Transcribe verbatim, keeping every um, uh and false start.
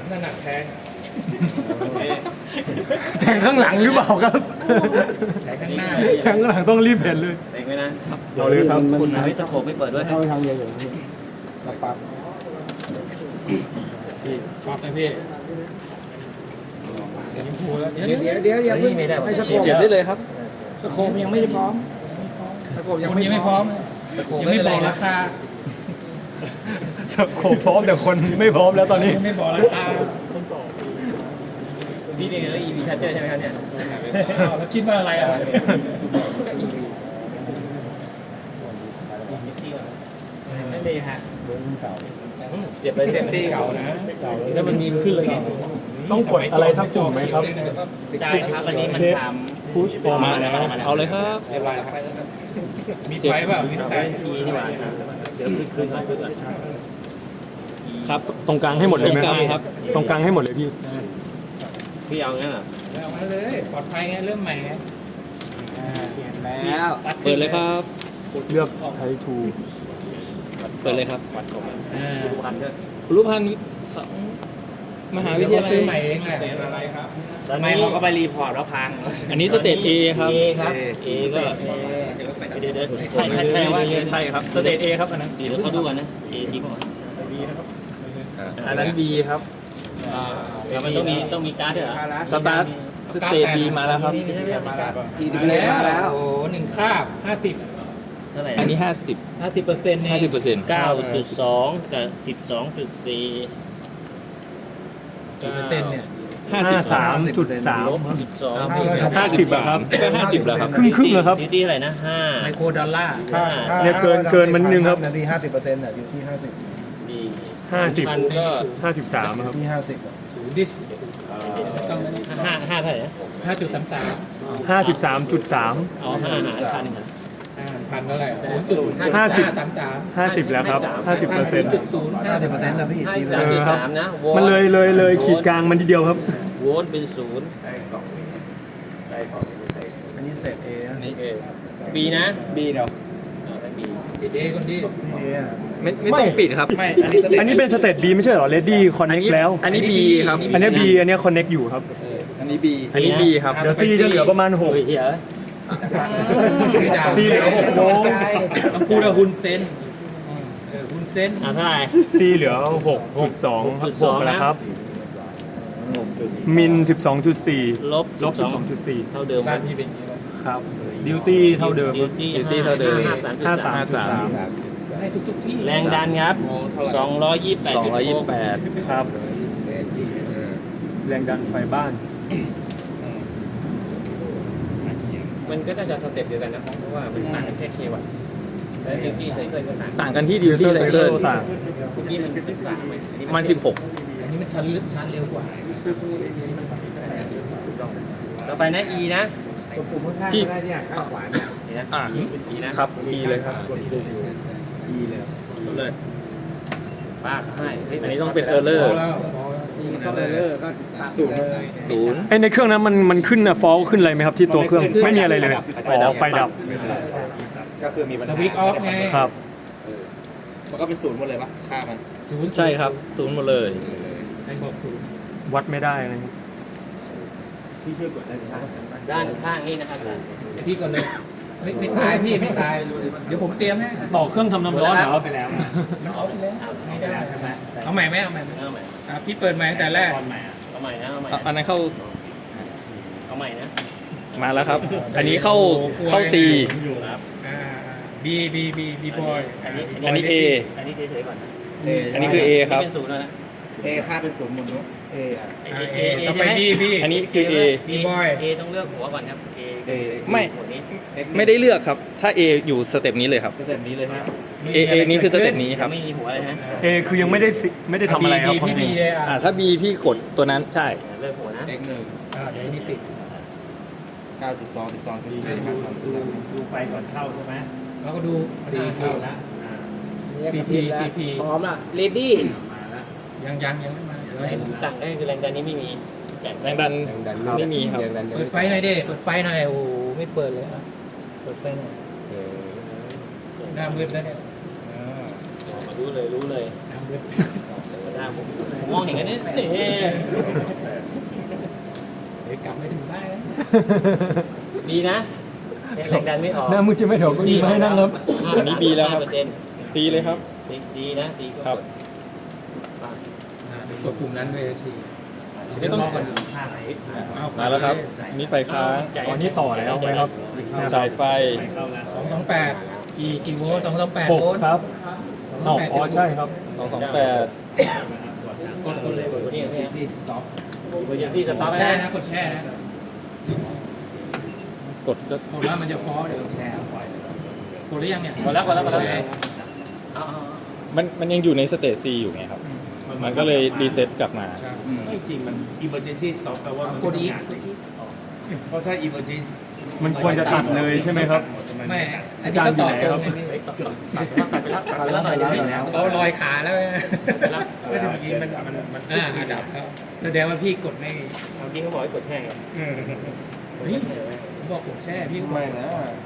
ถนัดแทงแทงข้างหลังหรือเปล่าครับแทงข้างหน้าแทงข้างหลังต้องรีบเห็นเลยเองไหมนะเอาเลยครับคุณนะไม่จะโขกไม่เปิดด้วยเข้าไปทางเดียวอยู่พี่ปับปับพี่ช็อตนะพี่ยิงพูแล้วเดี๋ยวเดี๋ยวเดี๋ยวเดี๋ยวเพิ่งไม่ได้ให้สโคปเสียบได้เลยครับสโคปยังไม่พร้อมสโคปยังคนไม่ยังไม่พร้อมยังไม่บอกราคาสโคปพร้อมแต่คนไม่พร้อมแล้วตอนนี้ยังไม่บอกราคานี่เป็นเรื่อง อี วี Charger ใช่ไหมครับเนี่ยอ้าวแล้วคิดว่าอะไรอ่ะไม่มีฮะเบอร์เก่าเสียบไปเซฟตี้เก่านะแล้วมันมีขึ้นเลยไงต้องกดอะไรสักปุ่มไหมครับใช่ครับอันนี้มันทพุชออกมาเอาเลยครับำเรียบร้อยแล้วครับมีไฟเปล่ามีไฟอีนี่หว่าเดี๋ยวขึ้นขึ้นก่อนขึ้นก่อนครับตรงกลางให้หมดเลยไหมตรงกลางครับตรงกลางให้หมดเลยพี่พี่เอางั้นเหรอเอามาเลยปลอดภัยไงเริ่มใหม่ไงเสียแล้วเปิดเลยครับเลือกไททูเปิดเลยครับอ่าดูพันด้วยคุณรูปพันธ์ของมหาวิทยาลัซื้อย ใหม่เองแหละทำไมเขาก็ไปรีพอร์ตแล้วพังอันนี้สเตจ A ครับเอครับเอก็เดี๋ยวเดี๋ยวใช่ใช่ใช่ว่าใช่ครับ สเตจ A ครับอันนั้นเดี๋ยวเขาดูกันนะเอดีกว่าอันนั้น B ครับแล้วมันต้องมีต้องมีการ์ดด้วยเหรอสตาร์ทสเตจ B มาแล้วครับไม่ใช่ไม่ใช่มาแล้วมาแล้วโอ้โหหนึ่งคาบห้าสิบเท่าไหร่อันนี้ 50 ห้าสิบเปอร์เซ็นต์เนี่ย 50เปอร์เซ็นต์เก้าจุดสองกับสิบสองจุดสี่กี่เปอร์เซ็นต์เนี่ยห้าสามจุดสามลบสิบสองห้าสิบอะครับก็50แล้วครับครึ่งครึ่งเหรอครับดีดีอะไรนะห้าไมโครดอลลาร์ห้าเนี่ยเกินเกินมันนิดนึงครับนาทีห้าสิบเปอร์เซ็นต์อ่ะอยู่ที่ห้าสิบดีห้าสิบมันก็ห้าสิบสามครับที่ห้าสิบอ่ะศูนย์ดิต้องห้าห้าเท่าไหร่นะห้าจุดสามสามห้าสิบสามจุดสามเอาห้าหารพันห้าพันเท่าไหร่ศูนย์จุดห้าสิบสามสามห้าสิบแล้วครับห้าสิบเปอร์เซ็นต์จุดศูนย์ห้าสิบเปอร์เซ็นต์นะพี่ห้าตีสิบไปสามเลยจุดสามนะโวลต์มันเลยเลยเลยขีดกลางมันทีเดียวครับโวลต์เป็นศูนย์อันนี้สเตตเอนะนี่บีนะบีเดียวบีปิดเอคนดีเออ่ะไม่ไม่ต้องปิดครับไม่อันนี้สเตอันนี้เป็นสเตต B ไม่ใช่เหรอ Ready Connect แล้วอันนี้ B ครับอันนี้ B อันนี้ Connect อยู่ครับอันนี้บีอันนี้ B ครับเดี๋ยว C จะเหลือประมาณหกเฮ้ยเหี้ย C เหลือหกโวลต์ต้องพูดว่าฮุนเซนเออฮุนเซนอ่ะเท่าไหร่ C เหลือหกจุดสองครับหกจุดสองหกแล้วครับ มินสิบสองจุดสี่ลบลบสิบสองจุดสี่เท่าเดิมบ้านพี่เป็นยังไงบ้างครับดิวตี้เท่าเดิมดิวตี้ Duty เท่าเดิมห้าสามห้าสามจุดสามให้ทุกทุกๆที่แรงดันครับสองร้อยยี่สิบแปดจุดหก 228 ครับ แรงดันไฟบ้านมันก็น่าจะสเต็ปเดียวกันนะเพราะว่ามันต่างกันแค่เควัตแล้วดิวตี้ไซเคิลก็ต่างต่างกันที่ Duty Cycle ต่างเมื่อกี้มันเป็นสามไหมอันนี้มันสิบหกอันนี้มันชันลึกชันเร็วกว่าต่อไปนะ E นะที่นี่นะอ่า E นะครับ E เลยครับ เลยป้าให้เฮ้ยอันนี้ต้องเป็น Error พอแล้วพอแล้วก็เลยก็ศูนย์ศูนย์ไอยในเครื่องนั้นมันมันขึ้นนะฟอลขึ้นอะไรไหมครับที่ตัวเครื่องไม่มีอะไรเลยอ๋อไฟดับก็คือมีปัญสหาวิตช์ออฟไงครับมันก็เป็นศูนย์หมดเลยปะค่ามันศูนย์ใช่ครับศูนย์หมดเลยใครบอกศูนย์วัดไม่ได้อะไรเงี้ยที่ช่วยกดได้ไหมด้านข้างนี่นะครับอาจารย์พี่ก่อนเลยไม่ไม่ตายพี่ไม่ตาย เดี๋ยวผมเตรียมให้ต่อเครื่องทำน้ำร้อนเหรอมันเอาไปแล้วไม่ได้เอาใหม่ไหมเอาใหม่ไหมเอาใหม่อ่ะพี่เปิดใหม่ตั้งแต่แรกเอาใหม่นะเอาใหม่อ่ะอันนั้นเข้าเอาใหม่นะมาแล้วครับ อันนี้เข้าเข้า C อ่าบีบีบีบีบอยอันนี้อันนี้ A อันนี้เฉยๆก่อนนะอันนี้คือ A ครับเป็นศูนย์แล้วนะเอค่าเป็นศูนย์หมดเลยเออ่ะเออ่าเอเอเอต่อใช่ไปไหมบีบีอันนี้คือ A บีบอยเอต้องเลือกหัวก่อนครับเอเอไม่หัวนี้ไม่ได้เลือกครับ ถ้า A อยู่สเต็ปนี้เลยครับสเต็ปนี้เลยฮะ A A นี้คือสเต็ปนี้ครับไม่มีหัวเลยฮะเอคือยังไม่ได้สิไม่ได้ทำอะไรครับความพี่จริบีงเลยอ่ะอ่าถ้า B พี่กดตัวนั้นใช่เลือกหัวนะเอ็กหนึ่งอ่าเดี๋ยวนี้ติดเก้าจุดสองจุดสองจุดสี่ครับดูไฟก่อนเข้าใช่ไหมแล้วก็ดูซีพีนะซีพีซีพีพร้อมละเรดี้ยังยังยังไม่มาเดี๋ยวให้ผมต่างได้คือแรงดันนี้ไม่มีแจกแรงดันไม่มีครับเปิดไฟหน่อยดิเปิดไฟหน่อยโอ้โหไม่เปิดเลยอ่ะเปิดไฟหน่อยหน้ามืดแล้วเนี่ยรู้เลยรู้เลยน้ำมืดหน้าผมผมมองเห็นกันนี่นี่เดี๋ยวกลับไม่ถึงบ้านแล้วดีนะแรงดันไม่ออกหน้ามือใช่ไหมเดี๋ยวก็มีมาให้นั่งครับอันนี้ B แล้วครับ C เลยครับซีซีนะซีครับเดี๋ยวกดปุ่มนั้นเลยสิไม่ต้องรอก่อนท่าไหนมาแล้วครับนี่ไฟค้างตอนนี้ต่อแล้วไหมครับจ่ายไฟสองสองแปดกี่กี่โวลต์สองสองแปดหกโวลต์ครับอ๋ออ๋อใช่ครับสองสองแปดกดกดเลยกดนี่นี่ซีสต็อปกดอย่างซีสตาร์ทแช่นะนะกดแช่นะกดก็ผมว่ามันจะฟอสเดี๋ยวแช่ปล่อยกดหรือยังเนี่ยกดแล้วกดแล้วกดแล้วโอเคเอามันมันยังอยู่ในสเตจ C อยู่ไงครับ มันก็เลยรีเซ็ตกลับมาใช่ไม่จริงมัน emergency stop แปลว่ามันกดอีกเพราะถ้า emergency มันควรจะตัดเลยใช่ไหมครับไม่อันนี้ก็ต่อตรงไงพี่ตัดไปแล้วตัดไปแล้วตัดไปแล้วเราลอยขาแล้วแล้วไม่แต่เมื่อกี้มันมันมันอ่าดับแล้วแสดงว่าพี่กดไม่เมื่อกี้เขาบอกให้กดแช่ไงเฮ้ยผมบอกกดแช่พี่ก็บอกไม่นะ